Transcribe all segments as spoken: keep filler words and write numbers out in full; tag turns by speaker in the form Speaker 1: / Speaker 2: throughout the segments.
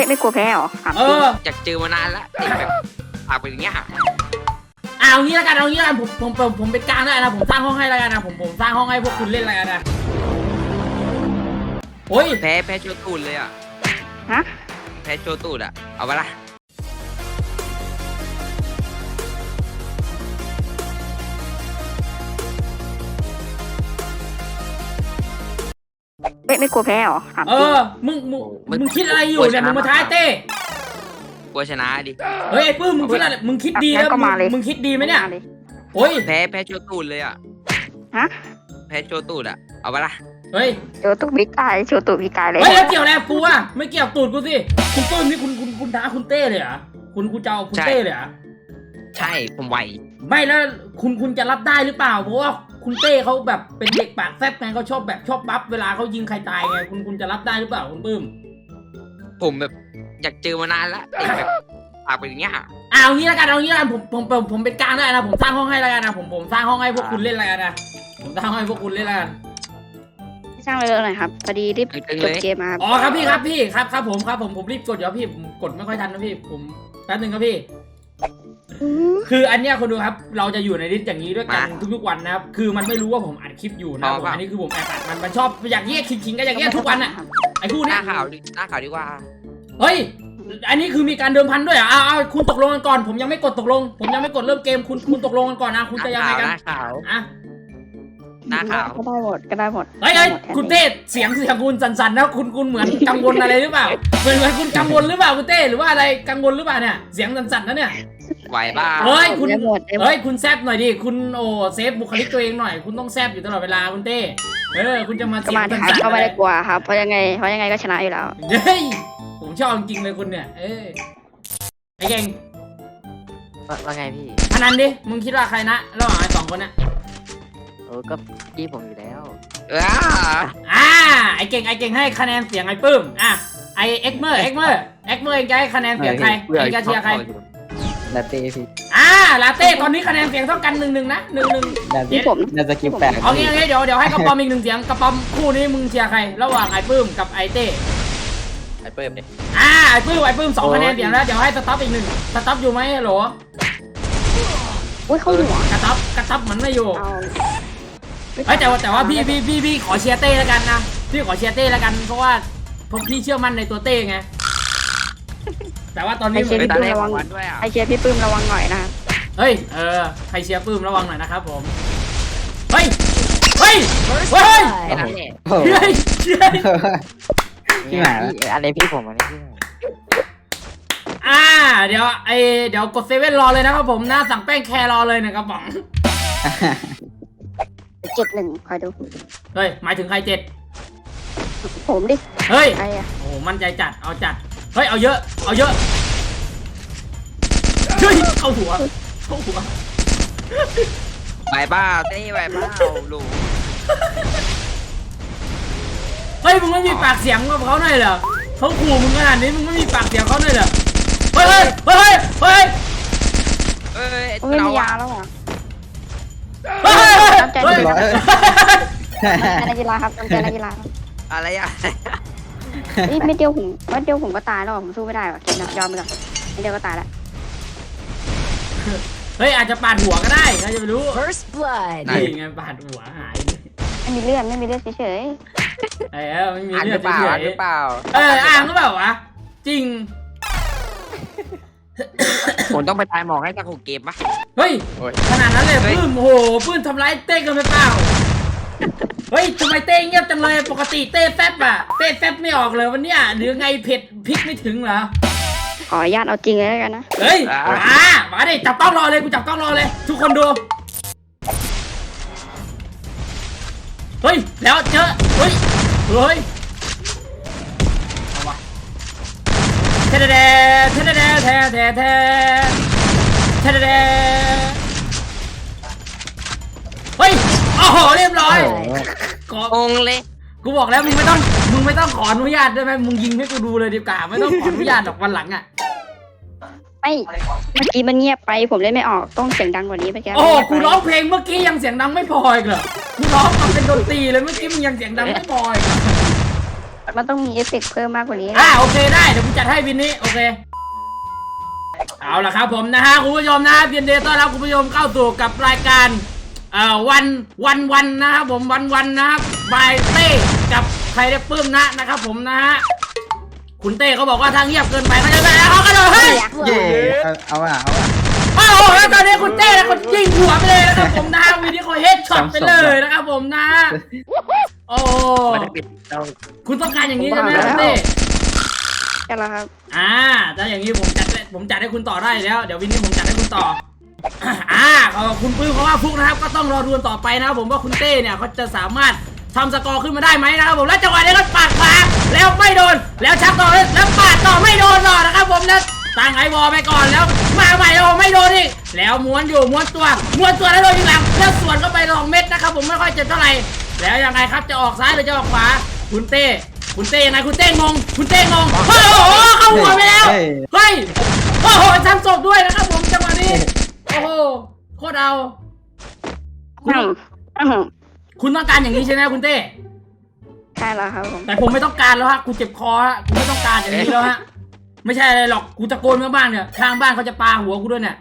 Speaker 1: ไม่กลัวแพ้หรอ
Speaker 2: เออ
Speaker 3: อยากเจอมานานแล้วเด็กแบบปากเป็นอย่างเงี้ย
Speaker 2: เอางี้แล้วกันเอางี้แล้วกันผมผมผมผมเป็นกลางได้นะผมสร้างห้องให้แล้วกันนะผมผมสร้างห้องให้พวกคุณเล่นอะไรกันนะโอ้ย
Speaker 3: แพ้แพ้โชตูดเลยอ่ะ
Speaker 1: ฮะ
Speaker 3: แพ้โชตูดอ่ะเอาไปละ
Speaker 1: ไม่ไม่กลัวแพ้หรอ
Speaker 2: เออมึงมึงมึงคิดอะไรอยู่เนี่ยมึงมาท้ายเต้
Speaker 3: กลัวชนะดิ
Speaker 2: เฮ้ยไอ้ปื้มมึงคิดอะไรมึงคิดดีแล้วมึงคิดดีไหมเนี่ยโอ้ย
Speaker 3: แพ้แพ้โชตูดเลยอ่ะ
Speaker 1: ฮะ
Speaker 3: แพ้โชตูดอ่ะเอาไปละ
Speaker 2: เฮ้ย
Speaker 1: โชตุกพิกายโชตุกพิกายเลย
Speaker 2: เฮ้ยแล้วเกี่ยวอะไรกูอ่ะไม่เกี่ยวตูดกูสิคุณปื้มนี่คุณคุณคุณท้าคุณเต้เลยเหรอคุณคุณจะเอาคุณเต้เลยเหรอ
Speaker 3: ใช่ผมไหว
Speaker 2: ไม่แล้วคุณคุณจะรับได้หรือเปล่าเพราะว่าคุณเต้เขาแบบเป็นเด็กปากแซ่บไงเขาชอบแบบชอบบัฟเวลาเขายิงใครตายไงคุณคุณจะรับได้หรือเปล่าคุณปื้ม
Speaker 3: ผมแบบอยากเจอมานานแล้วเด็กแบบปากเป็นอย่างเงี้ย
Speaker 2: เอางี้แล้วกันเอางี้แล้วกันผมผมผมผมเป็นกลางได้นะผมสร้างห้องให้แล้วกันนะผมผมสร้างห้องให้พวกคุณเล่นอะไรกันนะผมสร้างห้องให้พวกคุณเล่นแล้วกัน
Speaker 1: สร้างเลยหน่อยครับพอดีรีบจบเกมมา
Speaker 2: อ๋อครับพี่ครับพี่ครับครับผมครับผมผมรีบกดเดี๋ยวพี่ผมกดไม่ค่อยทันนะพี่ผมแป๊บนึงครับพี่คืออันเนี้ยคนดูครับเราจะอยู่ในลิสต์อย่างนี้ด้วยกันทุกๆวันนะครับคือมันไม่รู้ว่าผมอัดคลิปอยู่นะผมอันนี้คือผมแอบอัดมันมันชอบอย่างเงี้ยคิงๆกันอย่างเงี้ยทุกวันอ่ะไอ้คู่นี้
Speaker 3: หน้าข่าวหน้าข่าวดีกว่า
Speaker 2: เฮ้ยอันนี้คือมีการเดิมพันด้วยอ่ะเอาคุณตกลงกันก่อนผมยังไม่กดตกลงผมยังไม่กดเริ่มเกมคุณคุณตกลงกันก่อนนะคุณจะยังไงกัน
Speaker 3: หน้าข่าว
Speaker 2: อ่ะ
Speaker 3: หน้าข่าว
Speaker 1: ก็ได้หมดก็ได้หมด
Speaker 2: เฮ้ยเฮ้ยคุณเต้เสียงเสียงคุณสั่นๆนะคุณคุณเหมือนกังวลอะไรหรือเปล่าเหมือนเหมือนคุณกังวลหรือเปล่าคุณเต้หรือว่าอะไรกังวลหรือเปล่าเนี่ยเสียงสั่นๆนะเนี่ย
Speaker 3: ไหวบ้า
Speaker 2: เฮ้ยคุณเฮ้ยคุณแซบหน่อยดิคุณโอ้เซฟบุคลิกตัวเองหน่อยคุณต้องแซบอยู่ตลอดเวลาคุณเต้เออคุณจะมา
Speaker 1: เสียงสั่นๆก็ไม่ได้กลัวครับเพราะยังไงเพราะยังไงก็ชนะอยู่แล้ว
Speaker 2: เฮ้ยผมชอบจริงเลยคุณเนี่ยเออไอ้เก่ง
Speaker 4: ว่าไงพี่
Speaker 2: พนันดิมึงคิดว่าใครนะระหว่างไอ้สองคนน่ะ
Speaker 4: โอ้ก็พี่ผมอยู่แล้ว
Speaker 3: อ่า
Speaker 2: อ่าไอ้เก่งไอ้เก่งให้คะแนนเสียงไอ้ปื้มอ่ะไอ้เอ็กเมอร์เอ็กเมอร์เอ็กเมอร์เองจะให้คะแนนเสียงใครเองจะเชียร์ใคร
Speaker 4: ลาเต้พี่
Speaker 2: อ่าลาเต้ตอนนี้คะแนนเสียงเท่ากันหนึ่งหนึ่งนะหนึ่งหนึ่ง
Speaker 1: ที่ผม
Speaker 4: น่าจะคิวแปด
Speaker 2: เอางี้เอางี้เดี๋ยวเดี๋ยวให้กระป๋อมอีกหนึ่งเสียงกระป๋อมคู่นี้มึงเชียร์ใครระหว่างไอ้ปื้มกับไอ้เต้
Speaker 3: ไอ้ปื้มเนี่ย
Speaker 2: อ่าไอ้ปื้มไอ้ปื้มสองคะแนนเสียงแล้วเดี๋ยวให้สต๊อปอีกหนึ่งสต๊อปอยู่ไหมฮัลโหล
Speaker 1: อุ้ยเขาหัว
Speaker 2: กระต๊อปกระต๊อปมันไม่อยู่เฮ้ยแต่ว่าแต่ว่าพี่พี่พี่พี่ขอเชียร์เต้แล้วกันนะพี่ขอเชียร์เต้แล้วกันเพราะว่าเพราะพี่เชื่อมั่นในตัวเต้ไงแต่ว่าตอนนี้
Speaker 1: ไอเชียร์พี่ปื้มระวังไอเชียร์พี่ปื้มระวังหน่อยนะ
Speaker 2: เฮ้ยเออใครเชียร์ปื้มระวังหน่อยนะครับผมเฮ้ยเฮ้ยเฮ้ยเฮ้ยเฮ้ย
Speaker 4: พี่หมาอันนี้พี่ผมอันนี้พี่
Speaker 2: อ่าเดี๋ยวไอเดี๋ยวกดเซเว่นรอเลยนะครับผมหน้าสั่งแป้งแครรอเลยนะครับผม
Speaker 1: เจ็ดหนึ่งคอยดู
Speaker 2: เฮ้ยหมายถึงใครเจ็ด
Speaker 1: ผมดิ
Speaker 2: เฮ้ยโอ้มั่นใจจัดเอาจัดเฮ้ยเอาเยอะเอาเยอะเฮ้ยเอาหัวเอาหัว
Speaker 3: ไหวบ้าเต้ไหวบ้าลูก
Speaker 2: เฮ้ยมึงไม่มีปากเสียงกับเขาหน่อยเหรอเขาขู่มึงขนาดนี้มึงไม่มีปากเสียงเขาหน่อยเหรอเฮ้ยเฮ้ยเฮ้ยเฮ้ย
Speaker 3: เฮ้ย
Speaker 1: ไม่มียาแล้วเหรอ
Speaker 2: เฮ้ย
Speaker 1: น้ำใจนักกีฬาครับน้ำใจนักกีฬา
Speaker 3: อะไรอ่ะ
Speaker 1: นี่ไม่เดียวผมไม่เดียวผมก็ตายแล้วผมสู้ไม่ได้ว่ะเกมยอมไปก่อนไม่เดียวก็ตายแล้ว
Speaker 2: เฮ้ยอาจจะปาดหัวก็ได้ใครจะไปรู้ First Blood นี่ไงปาดหัวหาย
Speaker 1: ไม่มีเลือดไม่มีเลือดเฉย
Speaker 2: ๆเออไม่มีเลือดเฉยๆ
Speaker 3: หรือเปล่า
Speaker 2: เอออ่างก็แบบวะจริง
Speaker 3: ผมต้องไปตายหมอกให้ตะคุกเกมปะ
Speaker 2: เฮ้ยขนาดนั้นเลยปื้มโอ้โหปื้มทำร้ายเต้กันไปเปล่าเฮ้ยทำไมเต้เงียบจังเลยปกติเต้แฟบอะเต้แฟบไม่ออกเลยวันเนี้ยหรือไงเผ็ดพริกไม่ถึงเหรอ
Speaker 1: ขออนุญาตเอาจริงเลยแล้วกันนะ
Speaker 2: เฮ้ยมามาดิจับกล้องรอเลยกูจับกล้องรอเลยทุกคนดูเฮ้ยแล้วเจอเฮ้ยเฮ้ยเอาวะเทเดเดเทเดเดเทเดเดเทเดเดเฮ้ยโอ้โหเรียบร้อย
Speaker 3: กองเลย
Speaker 2: กูบอกแล้วมึงไม่ต้องมึงไม่ต้องขออนุญาตได้ไหมมึงยิงให้กูดูเลยดีกว่าไม่ต้องขออนุญาตหรอกวันหลังอ่ะ
Speaker 1: ไม่เมื่อกี้มันเงียบไปผมเล่นไม่ออกต้องเสียงดังกว่านี้ไปแก
Speaker 2: โอ้กูร้องเพลงเมื่อกี้ยังเสียงดังไม่พออีกเหรอกูร้องมันเป็นดนตรีเลยเมื่อกี้มึงยังเสียงดังไม่พออีก
Speaker 1: มันต้องมีเอฟเฟกต์เพิ่มมากกว่านี้
Speaker 2: อ่าโอเคได้เดี๋ยวผมจัดให้วินนี้โอเคเอาละครับผมนะฮะคุณผู้ชมนะยินดีต้อนรับคุณผู้ชมเข้าสู่กับรายการเอ่อวันวันวันนะครับผมวันวันนะครับบายเต้กับใครได้ปื้มนะนะครับผมนะฮะคุณเต้เขาบอกว่าทางเงียบเกินไปเขาจะไปแล้วเขากระโดดให้
Speaker 5: เย่เอาเอาอ่ะเอาอ่ะ
Speaker 2: โอ้โหแล้วตอนนี้คุณเต้นะคนยิงหัวไปเลยนะครับผมนะวินนี้เขาเฮดช็อตไปเลยนะครับผมนะโอ้
Speaker 3: มันจะปิดเรา
Speaker 2: คุณต้องการอย่างนี้ใช่ไหมคุณเต้
Speaker 1: ใช่แล้วครับ
Speaker 2: อ่าถ้าอย่างนี้ผมจัดให้ผมจัดให้คุณต่อได้แล้ว เดี๋ยววินนี้ผมจัดให้คุณต่อ อ่าขอบคุณปื้มเพราะว่าฟุกนะครับ ก็ต้องรอดูกันต่อไปนะครับผมว่าคุณเต้เนี่ยเขาจะสามารถทำสกอร์ขึ้นมาได้ไหมนะครับผม แล้วจังหวะนี้ก็ปาดขวาแล้วไม่โดน แล้วชักต่อแล้วปาดต่อไม่โดนต่อนะครับผมแล้วตั้งไอวอลไปก่อนแล้วมาใหม่แล้วไม่โดนอีกแล้วม้วนอยู่ม้วนตัวม้วนตัวแล้วโดนยิงหลังแล้วสวนเข้าไปสองเม็ดนะครับผมไม่ค่อยเจ็บเท่าไหร่แล้วยังไงครับจะออกซ้ายหรือจะออกขวาคุณเต้คุณเต้ยังไงคุณเต้งงคุณเต้งงโอ้โหเข้าหัวไปแล้วเฮ้ยโอ้โหซ้ำศพด้วยนะครับผมจังหวะนี้โอ้โหโคตรเอาคุณ
Speaker 1: อืม
Speaker 2: คุณต้องการอย่างนี้ใช่ไหมคุณเต้
Speaker 1: ใช่แล้วครับผม
Speaker 2: แต่ผมไม่ต้องการแล้วฮะกูเจ็บคอฮะกูไม่ต้องการอย่างนี้แล้วฮะไม่ใช่อะไรหรอกกูตะโกนเมื่อบ้านเนี่ยข้างบ้านเขาจะปาหัวกูด้วยเนี่ย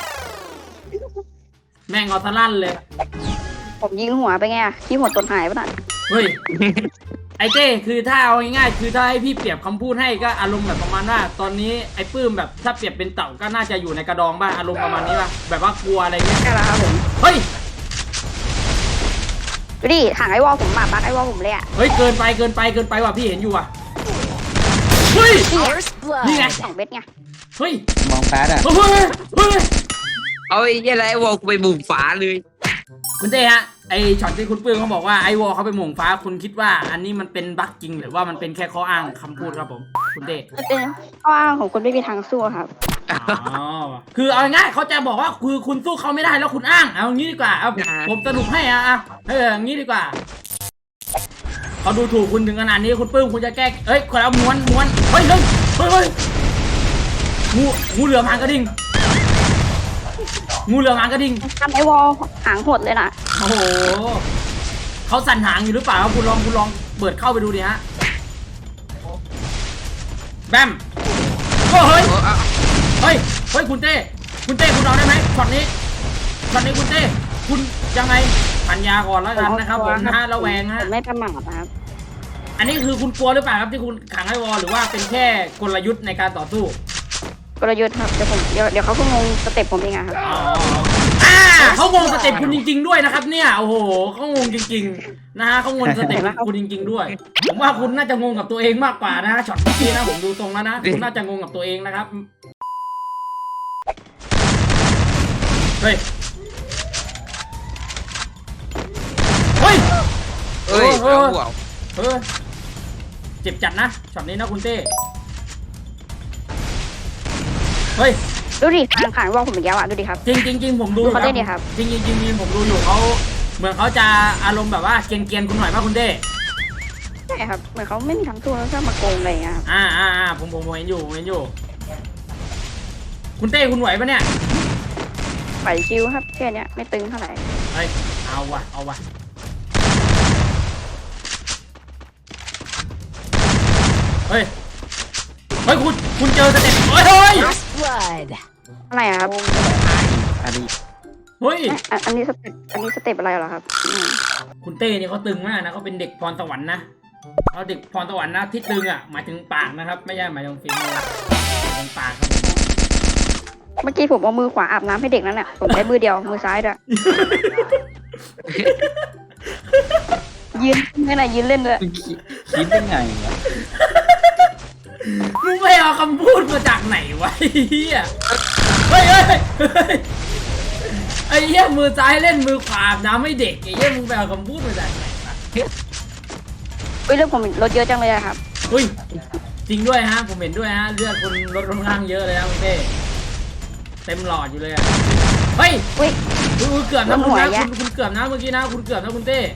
Speaker 2: แม่งเอาทะลั่นเลย
Speaker 1: ผมยิงหัวไปไงที่หัวตนหายปะน่ะ
Speaker 2: เฮ้ยไอ้เต้คือถ้าเอาง่ายๆคือถ้าให้พี่เปรียบคำพูดให้ก็อารมณ์แบบประมาณว่าตอนนี้ไอ้ปื้มแบบถ้าเปรียบเป็นเต่าก็น่าจะอยู่ในกระดองบ้างอารมณ์ประมาณนี้ป่ะแบบว่ากลัวอะไรเงี้ย
Speaker 1: ใช่แล้วครับผม
Speaker 2: เฮ้ย
Speaker 1: ดูดิถังไอวอลผมหมาบักไอวอลผมเลยอ่ะ
Speaker 2: เฮ้ยเกินไปเกินไปเกินไปว่ะพี่เห็นอยู่ว่ะเฮ้ยนี่ไง
Speaker 1: สองเม็ดไง
Speaker 2: เฮ้ย
Speaker 5: มองแฟดอ่ะ
Speaker 2: เฮ้ยเฮ้ย
Speaker 3: เอาไอ้เหี้ยอะไรวอลกูไปบุ่มฝาเลย
Speaker 2: คุณเต้ฮะไอช็อตที่คุณปื้มเขาบอกว่าไอวอลเขาไปหม่งฟ้าคุณคิดว่าอันนี้มันเป็นบั๊กจริงหรือว่ามันเป็นแค่ข้ออ้างคำพูดครับผมคุณเต้
Speaker 1: มันเป็นข้ออ้างของคนไม่มีทางสู้ครับ
Speaker 2: อ๋อคือเอาง่ายๆเขาจะบอกว่าคือคุณสู้เขาไม่ได้แล้วคุณอ้างเอางี้ดีกว่าเอาผมสรุปให้อ่ะอ่ะเอออย่างนี้ดีกว่าเขาดูถูกคุณถึงขนาดนี้คุณปื้มคุณจะแก้เอ้ยคนเอาม้วนม้วนเฮ้ยเฮ้ยเฮ้ยเฮ้ยงูงูเหลือมหางกระดิ่งงูเหลือมหางกระดิ่ง
Speaker 1: ทำไอวอลหางหดเลยนะ
Speaker 2: โอ้โหเขาสั่นหางอยู่หรือเปล่าครับคุณลองคุณลองเปิดเข้าไปดูดิฮะแบมโอ้เฮ้ย
Speaker 3: โอ้เอา
Speaker 2: เฮ้ยเฮ้ยคุณเต้คุณเต้คุณเอาได้ไหมช็อตนี้ช็อตนี้คุณเต้คุณยังไงปัญญาก่อนแล้วกันนะครับผมนะฮะระแวง
Speaker 1: ผ
Speaker 2: ฮะ
Speaker 1: มไม่ประมาทนะครับ
Speaker 2: อันนี้คือคุณกลัวหรือเปล่าครับที่คุณขังไอวอลหรือว่าเป็นแค่กลยุทธ์ในการต่อสู้
Speaker 1: กลยุทธ์ครับเดี๋ยวผมเดี๋ยวเดี๋ยวเขาก็งงสเต็ปผมเองอะครับ
Speaker 2: อ๋ออ่าเขางงสเต็ปคุณจริง ๆด้วยนะครับเนี่ยโอ้โหเขางงจริงๆนะฮะเขางงสเต็ปคุณจริง ๆ ด้วย ผมว่าคุณน่าจะงงกับตัวเองมากกว่านะฮะช็อตเมื่อกี้นะผมดูตรงแล้วนะคุณน่าจะงงกับตัวเองนะครับเฮ้ยเฮ้ย
Speaker 3: เอ้ย
Speaker 2: เออ
Speaker 3: เอาหัว
Speaker 2: เออเจ็บจัดนะช็อตนี้นะคุณเต้เฮ้ย
Speaker 1: ดูดิทางขางวอลผมอีกแล้วอะดูดิครับ
Speaker 2: จริงจริงจริงผมดู
Speaker 1: ดูเขาได้ดิครับ
Speaker 2: จริงจริงจริงจริงผมดูอยู่เขาเหมือนเขาจะอารมณ์แบบว่าเกรียนเกียนๆคุณหน่อยป่ะคุณเต้
Speaker 1: ใช่ครับเหมือนเขาไม่มีทางสู้แล้วชอบมาโกงอะไรอย่างเงี้ยครับ
Speaker 2: อ่าอ่าอ่าผมผมผมเห็นอยู่ผมเห็นอยู่ คุณเต้คุณไหวปะเนี่ย
Speaker 1: ไหวชิวครับแค่เนี้ยไม่ตึงเท่าไหร่
Speaker 2: เฮ้ยเอาวะเอาวะเฮ้ยเฮ้ยคุณคุณเจอสเต็ปเฮ้ยเฮ้ย
Speaker 1: อะไรอะครับ
Speaker 5: อันนี้
Speaker 2: เฮ้ย
Speaker 1: เอ๊ะอันอันนี้สเต็ปอันนี้สเต็ปอะไรเหรอครับอืม
Speaker 2: คุณเต้นี่เขาตึงมากนะเขาเป็นเด็กพรสวรรค์นะเขาเด็กพรสวรรค์นะที่ตึงอ่ะหมายถึงปากนะครับ ไม่ใช่หมายถึงฝีมือหมายถึงปากครับผม
Speaker 1: เมื่อกี้ผมเอามือขวาอาบน้ำให้เด็กนั่นแหละผมใช้มือเดียวมือซ้ายด้วยยืนไม่ไหนยืนเล่นด้วย
Speaker 5: คุณคิดคิดยังไงวะ
Speaker 2: มึงไปเอาคำพูดมาจากไหนวะไอ้เหี้ยเฮ้ยเฮ้ยเฮ้ยไอ้เหี้ยมือซ้ายเล่นมือขวาอาบน้ำให้เด็กไอ้เหี้ยมึงไปเอาคำพูดมาจากไหนวะ
Speaker 1: เฮ้ยเรื่องผมลดเยอะจังเลยอะครับ
Speaker 2: อุ้ยจริงด้วยฮะผมเห็นด้วยฮะเลือดคุณลดค่อนข้างเยอะเลยนะคุณเต้เต็มหลอดอยู่เลยอะเฮ้ย
Speaker 1: อุ้ย
Speaker 2: คุณคุณเกือบนะคุณ
Speaker 1: หัว
Speaker 2: นะ
Speaker 1: แยะ
Speaker 2: คุณคุณเกือบนะเมื่อกี้นะคุณเกือบนะคุณเต้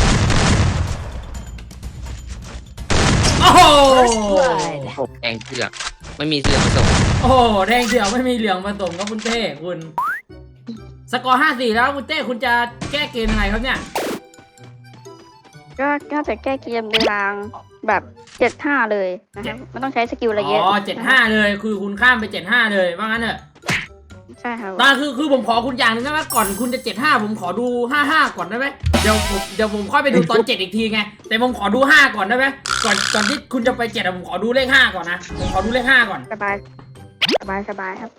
Speaker 2: โอ้โห
Speaker 3: แดงเสือกไม่มีเสือกผสม
Speaker 2: โอ้โหแดงเดียวไม่มีเหลืองผสมครับคุณเต้คุณสกอร์ห้าสี่แล้วคุณเต้คุณจะแก้เกมยังไงครับเนี่ย
Speaker 1: ก็ก็จะแก้เกมในทางแบบเจ็ดห้าเลยนะครับมันต้องใช้สกิลอะไรเยอะ
Speaker 2: อ๋อเจ็ดห้าเลยคือคุณข้ามไปเจ็ดห้าเลยว่างั้นเถอะ
Speaker 1: ใช่ครับ
Speaker 2: ตาคือคือผมขอคุณอย่างหนึงได้ไหมก่อนคุณจะเจ็ดห้าผมขอดูห้าห้าก่อนได้ไหมเดี๋ยวผมเดี๋ยวผมค่อยไปดูตอนเจ็ดอีกทีไงแต่ผมขอดูห้าก่อนได้ไหมก่อนก่อนที่คุณจะไปเจ็ดผมขอดูเลขห้าก่อนนะผมขอดูเลขห้าก่อน
Speaker 1: สบายสบายสบายครับ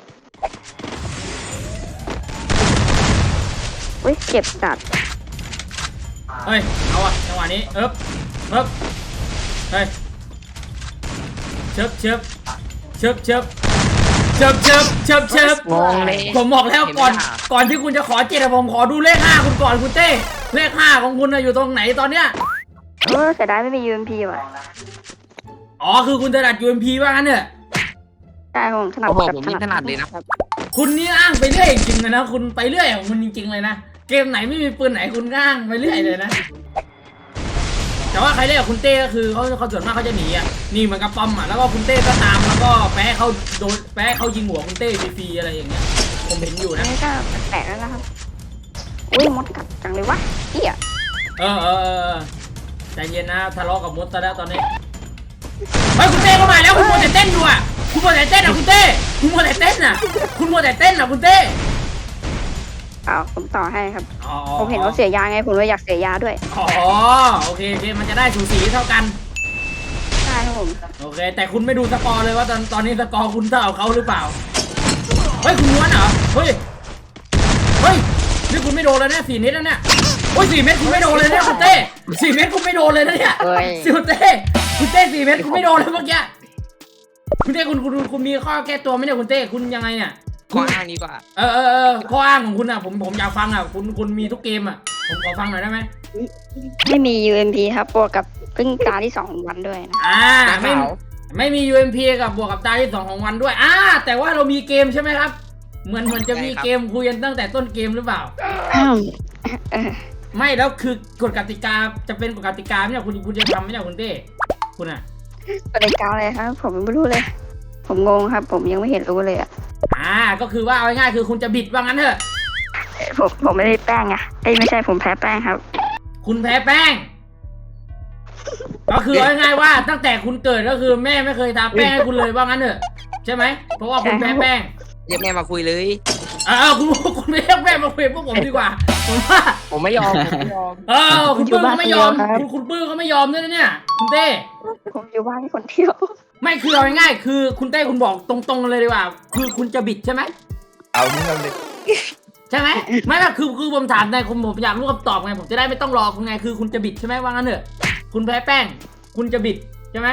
Speaker 1: อุ้ยเจ็บจัด
Speaker 2: เฮ้ยเอาอะจังหวะนี้เอ๊บเอ๊บเฮ้ยเชิบเชิบเชิบเชิบเชิบเชิบเชิบเชิบ
Speaker 4: งงเลย
Speaker 2: ผมบอกแล้วก่อนก่อนที่คุณจะขอเจ็ดอะผมขอดูเลขห้าคุณก่อนคุณเต้เลขห้าของคุณอะอยู่ตรงไหนตอนเนี้ย
Speaker 1: เออเสียดายไม่มี ยู เอ็ม พี ว่ะ
Speaker 2: อ๋อคือคุณถนัด ยู เอ็ม พี ว่างั้นเถอะ
Speaker 1: ใช่ผมถนัด
Speaker 3: โอ้โห
Speaker 1: แบบ
Speaker 3: ผมนี่ถนัดเลยนะ
Speaker 1: ครับ
Speaker 2: คุณนี่อ้างไปเรื่อยจริงๆเลยนะคุณไปเรื่อยของคุณจริงๆเลยนะเกมไหนไม่มีปืนไหนคุณก็อ้างไปเรื่อยเลยนะแต่ว่าใครเล่นกับคุณเต้ก็คือเขาเขาส่วนมากเขาจะหนีอ่ะนี่เหมือนกับปอมอ่ะแล้วก็คุณเต้ก็ตามแล้วก็แพ้เขาโดนแพ้เขายิงหัวคุณเต้ฟรีๆอะไรอย่างเงี้ยผมเห็นอยู่
Speaker 1: อัน
Speaker 2: นะ
Speaker 1: นี้ก็แปลกแล้วนะครับอุ้ยมดกัดจังเลยวะเหี้ย
Speaker 2: เออเออเออใจเย็นนะทะเลาะกับมดซะแล้วตอนนี้เฮ้ยคุณเต้เข้ามาแล้วคุณมัวแต่เต้นอยู่อ่ะคุณมัวแต่เต้นอ่ะคุณเต้คุณมัวแต่เต้นอ่ะคุณมัวแต่เต้นอ่ะคุณเต้
Speaker 1: เอาผมต่อให้ครับ
Speaker 2: อ๋อ
Speaker 1: ผมเห็นเขาเสียยาไงผมเลยอยากเสียยาด้วย
Speaker 2: อ๋อโอเคโอเคมันจะได้สูสีเท่ากัน
Speaker 1: ใช่ครับผม
Speaker 2: โอเคแต่คุณไม่ดูสกอร์เลยว่าตอนตอนนี้สกอร์คุณเท่ากับเขาหรือเปล่าเฮ้ยคุณม้วนเหรอเฮ้ยเฮ้ยนี่คุณไม่โดนเลยนะสี่เมตรแล้วเนี่ยโอ้ยสี่เมตรคุณไม่โดนเลยเนี่ยคุณเต้สี่เมตรคุณไม่โดนเลยนะเนี่ย
Speaker 4: เฮ้ย
Speaker 2: สิคุณเต้คุณเต้สี่เมตรคุณไม่โดนเลยเมื่อกี้คุณเต้คุณคุณคุณมีข้อแก้ตัวไหมเนี่ยคุณเต้คุณยังไงเนี่ย
Speaker 3: ข้ออ้างดีกว่า
Speaker 2: เออเออเออข้ออ้างของคุณอ่ะผมผมอยากฟังอ่ะคุณคุณมีทุกเกมอ่ะผมขอฟังหน่อยได้ไหม
Speaker 1: ไม่มี ยู เอ็ม พี ครับบวกกับเพิ่งตาที่สองของวันด้วยนะ
Speaker 2: อ่าไม่ไม่มี ยู เอ็ม พี กับบวกกับตาที่สองของวันด้วยอ่าแต่ว่าเรามีเกมใช่ไหมครับเหมือนเหมือนจะมีเกมคุยกันตั้งแต่ต้นเกมหรือเปล่า
Speaker 1: อ้าวเออ
Speaker 2: ไม่แล้วคือกฎกติกาจะเป็นกฎกติกาไหมเนี่ยคุณคุณจะทำไหมเนี่ยคุณเต้คุณอ่ะ
Speaker 1: กติกาอะไรครับ ผมไม่รู้เลย ผมงงครับ ผมยังไม่เห็นรู้เลยอ่ะ
Speaker 2: อ่าก็คือว่าเอาง่ายๆคือคุณจะบิดว่างั้นเถอะ
Speaker 1: เอ้ยผมผมไม่ได้แป้งอะเอ้ยไม่ใช่ผมแพ้แป้งครับ
Speaker 2: คุณแพ้แป้ง ก็คือเอาง่ายๆว่าตั้งแต่คุณเกิดก็คือแม่ไม่เคยทาแป้งให้คุณเลยว่างั้นเถอะใช่ไหมเพราะว่าคุณแพ้แป้ง
Speaker 3: เรียกแม่มาคุยเลย
Speaker 2: เออคุณคุณไม่เรียกแม่มาคุยกับพวกผมดีกว่าผมว่า
Speaker 4: ผมไม่ยอมผมไม่ยอม
Speaker 2: เออคุณปื้มเขาไม่ยอมคุณคุณปื้มเขาไม่ยอมด้วยนะเนี่ยคุณเต้
Speaker 1: ผมอยู่บ้านคนเดียว
Speaker 2: ไม่คือเอาง่ายๆคือคุณเต้คุณบอกตรงๆเลยดีกว่า คือคุณจะบิดใช่ไหม
Speaker 5: เอาเรื่องเลย
Speaker 2: ใช่ไหมไม่แบบคือคือผมถามในผมผมอยากรู้คำตอบไงผมจะได้ไม่ต้องรอคุณไงคือคุณจะบิดใช่ไหมว่างั้นเถอะคุณแพ้แป้ง คุณจะบิดใช่ไหม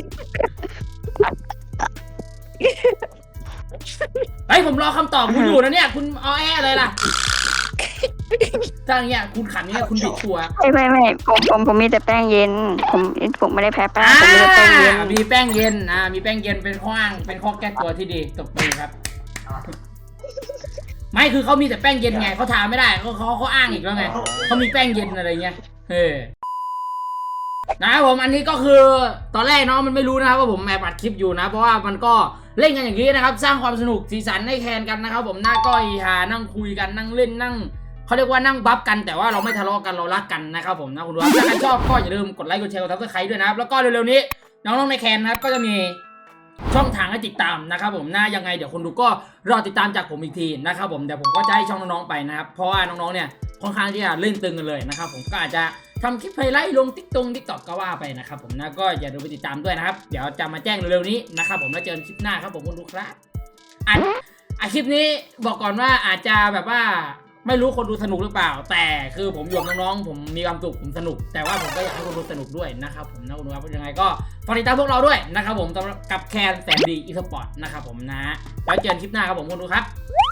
Speaker 2: เฮ้ยผมรอคำตอบคุณอยู่นะเนี่ยคุณเอาแออะไรล่ะถ้าอย่างเงี้ยคุณขันเงี้ยคุณบิดตัว
Speaker 1: ไม่ไม่ไม่ผมผมผมมีแต่แป้งเย็น ผมผมไม่ได้แพ้แป้ง
Speaker 2: อ่า
Speaker 1: ผมมีแต่แป้งเย็น
Speaker 2: มีแป้งเย็นอ่ามีแป้งเย็นเป็นข้ออ้างเป็นข้อแก้ตัวที่ดีตบมือครับ ไม่คือเขามีแต่แป้งเย็นไงเขาทาไม่ได้เขาเขาเขาอ้างอีกแล้วไงเขามีแป้งเย็นอะไรเงี้ยเออนะครับผมอันนี้ก็คือตอนแรกน้องมันไม่รู้นะครับว่าผมแอบอัดคลิปอยู่นะเพราะว่ามันก็เล่นกันอย่างนี้นะครับสร้างความสนุกสีสันให้แคนกันนะครับผมหน้าก้อยหานั่งคุยกันนั่งเล่นนั่งเขาเรียกว่านั่งบัฟกันแต่ว่าเราไม่ทะเลาะกันเรารักกันนะครับผมนะคุณผู้ชมถ้าใครชอบก็อย่าลืมกดไลค์กดแชร์กดซับสไครต์ด้วยนะครับแล้วก็เร็วๆนี้น้องๆในแคนนะครับก็จะมีช่องทางให้ติดตามนะครับผมนะยังไงเดี๋ยวคนดูก็รอติดตามจากผมอีกทีนะครับผมเดี๋ยวผมก็จะให้ช่องน้องๆไปนะครับเพราะว่าน้องๆเนี่ยค่อนข้างที่จะเล่นตึงกันเลยนะครับผมก็อาจจะทำคลิปไฮไลท์ลงติ๊กตงติ๊กต็อกก็ว่าไปนะครับผมนะก็อย่าลืมไปติดตามด้วยนะครับเดี๋ยวจะมาแจ้งเร็วๆนี้นะครับผมแล้วเจอกันคลิปหน้าครับผมคุณดูครับอันอ่ะคลิปนี้บอกก่อนว่าอาจจะแบบว่าไม่รู้คนดูสนุกหรือเปล่าแต่คือผมอยู่กับน้องๆผมมีความสุขผมสนุกแต่ว่าผมก็อยากให้คนดูสนุกด้วยนะครับผมนะคุณดูครับยังไงก็ฝากติดตามพวกเราด้วยนะครับผมกับแคนแสนดีอีสปอร์ตนะครับผมนะแล้วเจอกันคลิปหน้าครับผมคุณดูครับ